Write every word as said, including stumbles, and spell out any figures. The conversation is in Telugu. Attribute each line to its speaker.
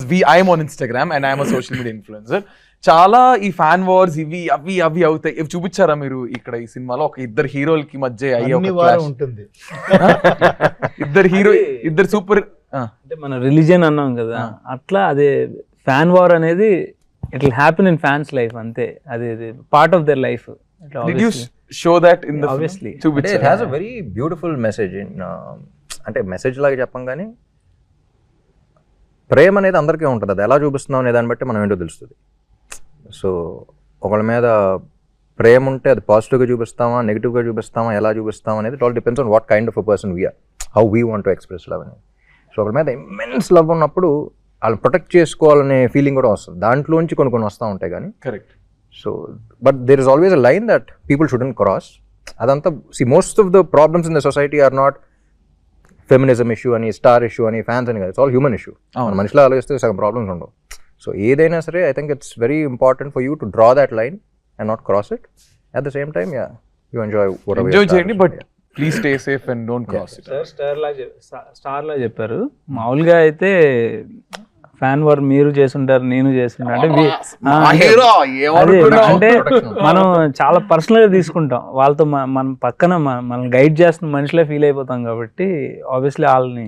Speaker 1: We I'm on Instagram and I'm social media influencer. చాలా ఈ ఫ్యాన్ వార్స్ ఇవి అవి అవి అవుతాయి. ఇవి చూపించారా మీరు ఇక్కడ ఈ సినిమాలో? ఒక ఇద్దరు హీరోలకి మధ్య అయ్యే ఒక clash
Speaker 2: ఉంటుంది.
Speaker 1: ఇద్దరు హీరో ఇద్దరు సూపర్
Speaker 3: అంటే మన రిలీజియన్ అన్నాం కదా, అట్లా అదే ఫ్యాన్ వార్ అనేది it will happen in fans life అంతే. అది part of their life.
Speaker 1: Did you show that in the
Speaker 3: Obviously.
Speaker 1: film?
Speaker 4: అంటే it has a very beautiful message in uh, అంటే మెసేజ్ లాగా చెప్పం కానీ ప్రేమ అనేది అందరికీ ఉంటుంది. అది ఎలా చూపిస్తున్నాం అనే దాన్ని బట్టి మనం ఏంటో తెలుస్తుంది. సో ఒకళ్ళ మీద ప్రేమ ఉంటే అది పాజిటివ్గా చూపిస్తామా, నెగిటివ్గా చూపిస్తామా, ఎలా చూపిస్తామా అనేది it all depends on what kind of a person we are, how we want to express love అనేది. సో ఒకళ్ళ మీద ఇమ్మెన్స్ లవ్ ఉన్నప్పుడు వాళ్ళు ప్రొటెక్ట్ చేసుకోవాలనే ఫీలింగ్ కూడా వస్తుంది. దాంట్లోంచి కొన్ని కొన్ని వస్తూ ఉంటాయి కానీ.
Speaker 1: Correct.
Speaker 4: So but there is always a line that people shouldn't cross. అదంతా see most of the problems in the society are not feminism issue అని, స్టార్ ఇష్యూ అని, ఫ్యాన్స్ అని కాదు. It's all human issue. మన మనిషిలో ఆలోచిస్తే సగం ప్రాబ్లమ్స్ ఉండవు. సో ఏదైనా సరే I think it's very important for you to draw that line and not cross it. At the same time yeah you enjoy
Speaker 1: enjoy చేయండి, but please stay safe and don't cross it.
Speaker 3: Sir star లా స్టార్ లా చెప్పారు. మామూలుగా అయితే ఫ్యాన్ వార్ మీరు చేస్తుంటారు, నేను చేస్తుంటా అంటే వి- ఆ, అదే అంటే మనం చాలా పర్సనల్ గా తీసుకుంటాం. వాళ్ళతో మ- మనం పక్కన మ- మనం గైడ్ చేస్తున్న మనిషిలో ఫీల్ అయిపోతాం కాబట్టి ఆబ్వియస్లీ వాళ్ళని